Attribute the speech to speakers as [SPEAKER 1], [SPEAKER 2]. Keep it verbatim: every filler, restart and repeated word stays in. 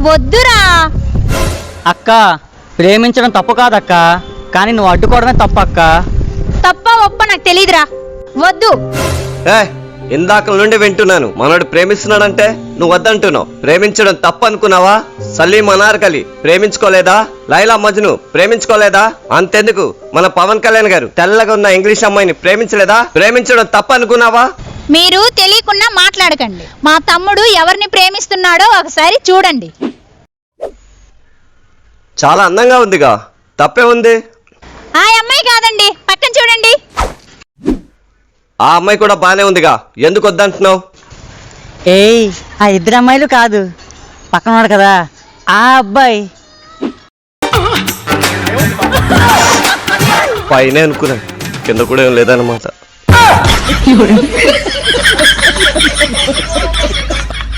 [SPEAKER 1] వద్దురా.
[SPEAKER 2] అక్క ప్రేమించడం తప్పు కాదక్క, కానీ నువ్వు అడ్డుకోవడమే తప్పు అక్క.
[SPEAKER 1] తప్ప ఒప్ప నాకు తెలీదురా, వద్దు.
[SPEAKER 3] ఏ ఇందాక నుండి వింటున్నాను, మనోడు ప్రేమిస్తున్నాడంటే నువ్వు వద్దంటున్నావు. ప్రేమించడం తప్పు అనుకున్నావా? సలీం అనార్కలి ప్రేమించుకోలేదా? లైలా మజ్ను ప్రేమించుకోలేదా? అంతెందుకు మన పవన్ కళ్యాణ్ గారు తెల్లగా ఉన్న ఇంగ్లీష్ అమ్మాయిని ప్రేమించలేదా? ప్రేమించడం తప్పు అనుకున్నావా?
[SPEAKER 1] మీరు తెలియకుండా మాట్లాడకండి. మా తమ్ముడు ఎవరిని ప్రేమిస్తున్నాడో ఒకసారి చూడండి.
[SPEAKER 3] చాలా అందంగా ఉందిగా, తప్పే ఉంది.
[SPEAKER 1] ఆ అమ్మాయి కాదండి, పక్కన చూడండి.
[SPEAKER 3] ఆ అమ్మాయి కూడా బానే ఉందిగా, ఎందుకు వద్దంటున్నావు?
[SPEAKER 2] ఏయ్ ఆ ఇద్దరు అమ్మాయిలు కాదు, పక్కన ఉన్నాడు కదా ఆ అబ్బాయి.
[SPEAKER 3] పైనే అనుకున్నాను, కింద కూడా ఏం లేదన్నమాట.